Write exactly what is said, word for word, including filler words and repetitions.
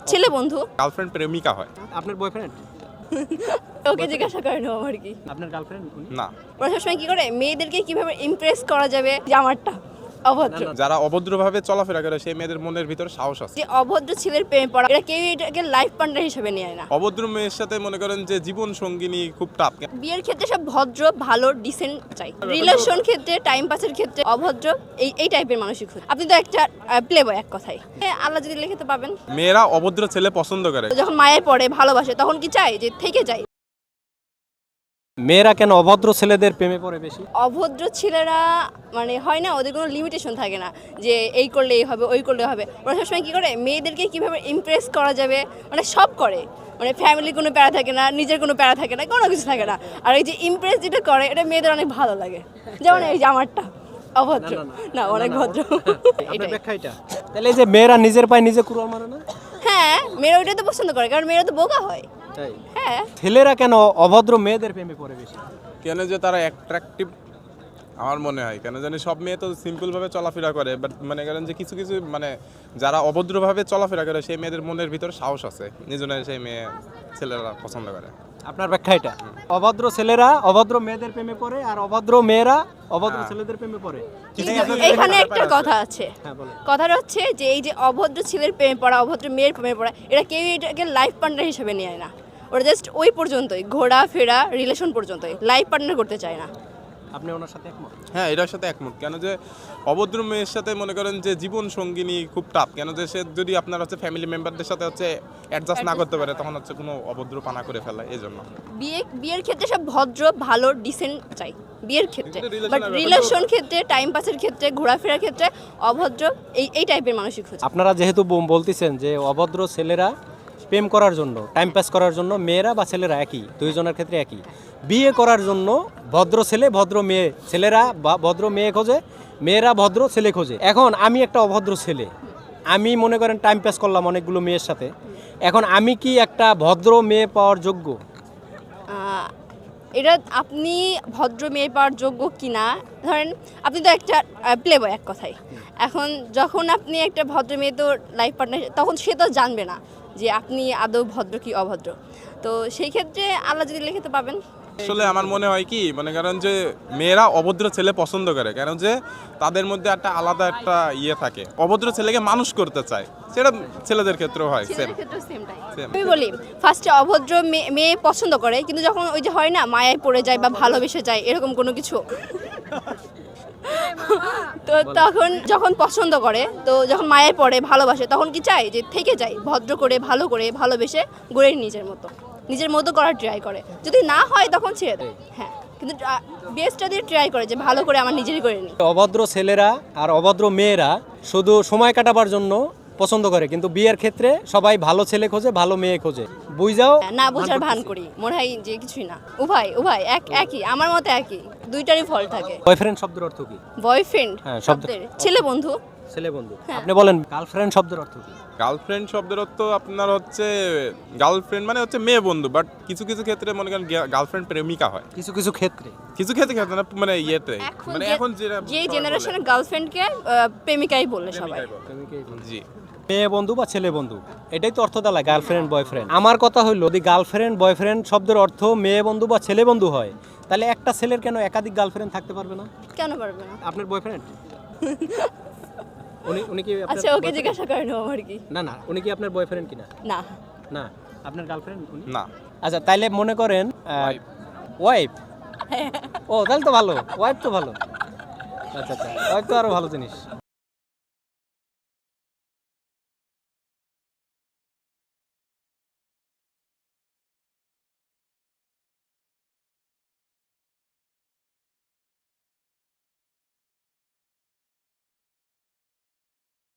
ছেলে বন্ধু। গার্লফ্রেন্ড প্রেমিকা হয়। আপনার বয়ফ্রেন্ড? ওকে জিজ্ঞাসা করেন আমার কি। আপনার গার্লফ্রেন্ড? না, ওরা সবসময় কি করে মেয়েদেরকে কিভাবে ইমপ্রেস করা যাবে যে আমারটা অভদ্র। যারা অভদ্রভাবে চলাফেরা করে সেই মেয়েদের মনের ভিতরে সাহস আছে। যে অভদ্র ছেলের প্রেমে পড়া এটা কেউ এটাকে লাইফ পার্টনার হিসেবে নেয় না। অভদ্র মেয়ের সাথে মনে করেন যে জীবন সঙ্গিনী খুব টাফ। বিয়ের ক্ষেত্রে সব ভদ্র ভালো ডিসেন্ট চাই, রিলেশন ক্ষেত্রে টাইম পাসের ক্ষেত্রে অভদ্র এই এই টাইপের মানুষই খুঁজে। আপনি তো একটা প্লে বয় এক কথায়, আল্লাহ যদি লিখে তো পাবেন। মেয়েরা অভদ্র ছেলে পছন্দ করে। যখন মায়ের পড়ে ভালোবাসে তখন কি চাই যে থেকে যায়। মেয়েরা কেন অভদ্র ছেলেদের প্রেমে পড়ে বেশি? অভদ্র ছেলেরা মানে হয় না, ওদের কোনো লিমিটেশন থাকে না যে এই করলে এই হবে ওই করলে হবে। ওরা সবসময় কী করে মেয়েদেরকে কীভাবে ইমপ্রেস করা যাবে মানে সব করে, মানে ফ্যামিলির কোনো প্যারা থাকে না, নিজের কোনো প্যারা থাকে না, কোনো কিছু থাকে না। আর এই যে ইমপ্রেস যেটা করে এটা মেয়েদের অনেক ভালো লাগে। যেমন এই যে আমারটা অভদ্র না, অনেক ভদ্র। আপনার ব্যাখ্যা এটা? তাহলে এই যে মেয়েরা নিজের পায়ে নিজে কুড়াল মারে না? হ্যাঁ, মেয়েরা ওইটাই তো পছন্দ করে, কারণ মেয়েরা তো বোকা হয়। তাই? হ্যাঁ। ছেলেরা কেন অভদ্র মেয়েদের প্রেমে পড়ে বেশি? কেন যে তারা অ্যাট্রাকটিভ আমার মনে হয়, কেন জানি সব মেয়ে তো সিম্পলভাবে চলাফেরা করে, বাট মনে করেন যে কিছু কিছু মানে যারা অভদ্রভাবে চলাফেরা করে সেই মেয়েদের মনের ভিতরে সাহস আছে, নিজনের সেই মেয়ে ছেলেরা পছন্দ করে। আপনার ব্যাখ্যা এটা? অভদ্র ছেলেরা অভদ্র মেয়েদের প্রেমে পড়ে আর অভদ্র মেয়েরা অভদ্র ছেলেদের প্রেমে পড়ে। এখানে একটা কথা আছে, হ্যাঁ বলেন। কথাটা হচ্ছে যে এই যে অভদ্র ছেলের প্রেমে পড়া অভদ্র মেয়ের প্রেমে পড়া এটা কেউ এটাকে লাইফ পার্টনার হিসেবে নেয় না। ওরা জাস্ট ওই পর্যন্তই, ঘোরা ফেরা রিলেশন পর্যন্তই, লাইফ পার্টনার করতে চায় না। আপনি ওনার সাথে একমত? হ্যাঁ, এটার সাথে একমত। কেন যে অভদ্র মেয়ের সাথে মনে করেন যে জীবন সঙ্গিনী খুব টাফ। কেন যে সে যদি আপনার হচ্ছে ফ্যামিলি মেম্বারদের সাথে হচ্ছে অ্যাডজাস্ট না করতে পারে তখন হচ্ছে কোনো অভদ্র পানা করে ফেলে। এই জন্য বিয়ে বিয়ের ক্ষেত্রে সব ভদ্র ভালো ডিসেন্ট চাই বিয়ের ক্ষেত্রে, কিন্তু relation বাট এর ব্যাপারে রিলেশন ক্ষেত্রে টাইম পাসের ক্ষেত্রে ঘোরাফেরার ক্ষেত্রে অভদ্র এই এই টাইপের মানুষই খুঁজে। আপনারা যেহেতু বম- বলতেছেন যে অভদ্র ছেলেরা প্রেম করার জন্য টাইম পাস করার জন্য, মেয়েরা বা ছেলেরা একই, দুইজনের ক্ষেত্রে একই, বিয়ে করার জন্য ভদ্র ছেলে ভদ্র মেয়ে, ছেলেরা বা ভদ্র মেয়ে খোঁজে, মেয়েরা ভদ্র ছেলে খোঁজে। এখন আমি একটা অভদ্র ছেলে, আমি মনে করেন টাইম পাস করলাম অনেকগুলো মেয়ের সাথে, এখন আমি কি একটা ভদ্র মেয়ে পাওয়ার যোগ্য? আহ, এটা আপনি ভদ্র মেয়ে পাওয়ার যোগ্য কিনা, ধরেন আপনি তো একটা প্লে বয় এক কথায়। এখন যখন আপনি একটা ভদ্র মেয়ে তো লাইফ পার্টনার, তখন সে তো জানবে না যে আপনি আদৌ ভদ্র কি অভদ্র। তো সেই ক্ষেত্রে আল্লাহ যদি লিখে তো পাবেন। আসলে আমার মনে হয় কি, মনে করেন যে মেয়েরা অভদ্র ছেলে পছন্দ করে, কেন যে তাদের মধ্যে একটা আলাদা একটা ইয়ে থাকে, অভদ্র ছেলেকে মানুষ করতে চায়। সেটা ছেলেদের ক্ষেত্রেও হয়, সেম ছেলেদের ক্ষেত্রেও same টাই। Same. আমি বলি ফার্স্টে অভদ্র মেয়ে- মেয়ে পছন্দ করে, কিন্তু যখন ওই যে হয় না মায়ায় পড়ে যায় বা ভালোবেসে যায় এরকম কোনো কিছু, তো তখন যখন পছন্দ করে, তো যখন মায়ের পড়ে ভালোবাসে তখন কি চায় যে থেকে যায়, ভদ্র করে ভালো করে ভালোবেসে গড়ে নিজের মতো নিজের মতো করার ট্রাই করে। যদি না হয় তখন ছেড়ে দেয়। হ্যাঁ, কিন্তু বেস্টটা দিয়ে ট্রাই করে যে ভালো করে আমার নিজেরই করে নিই। অভদ্র ছেলেরা আর অভদ্র মেয়েরা শুধু সময় কাটাবার জন্য পছন্দ করে, কিন্তু বিয়ের ক্ষেত্রে সবাই ভালো ছেলে খোঁজে, ভালো মেয়ে খোঁজে। বুঝাও না বোঝার ভান করি, মনে হয় যে কিছুই না। উভয় উভয় এক একই, আমার মতে একই, দুইটারই ফল থাকে। বয়ফ্রেন্ড শব্দের অর্থ কি? বয়ফ্রেন্ড হ্যাঁ, শব্দ- শব্দের ছেলে বন্ধু। ছেলে বন্ধু। হ্যাঁ। আপনি বলেন গার্লফ্রেন্ড শব্দের অর্থ কি? গার্লফ্রেন্ড শব্দের অর্থ আপনার হচ্ছে গার্লফ্রেন্ড মানে হচ্ছে মেয়ে বন্ধু, বাট কিছু কিছু ক্ষেত্রে মনে করেন গার্লফ্রেন্ড প্রেমিকা হয়। কিছু কিছু ক্ষেত্রে কিছু ক্ষেত্রে ক্ষেত্রে না, মানে ইয়েতে এখন মানে যে- এখন যেটা যে সবাই জেনারেশনের বলে। গার্লফ্রেন্ডকে প্রেমিকাই বলে সবাই। প্রেমিকাই বলে। জি। মেয়ে বন্ধু বা ছেলে বন্ধু, এটাই তো অর্থ দাঁড়ায় গার্লফ্রেন্ড বয়ফ্রেন্ড। আমার কথা হইলো যদি গার্লফ্রেন্ড বয়ফ্রেন্ড শব্দের অর্থ মেয়ে বন্ধু বা ছেলে বন্ধু হয়, তাহলে একটা ছেলের কেন একাধিক গার্লফ্রেন্ড থাকতে পারবে না? কেন পারবে না? আপনার বয়ফ্রেন্ড? উনি উনি কি আপনার আচ্ছা, ওকে boyfriend? জিজ্ঞাসা করেন আমার কি। না না, উনি কি আপনার বয়ফ্রেন্ড কিনা? না, না। আপনার গার্লফ্রেন্ড উনি? না, আচ্ছা, তাইলে মনে করেন Wife. ওয়াইফ। ও তাহলে তো ভালো, ওয়াইফ তো ভালো। আচ্ছা আচ্ছা, ওয়াইফ তো আরো ভালো জিনিস।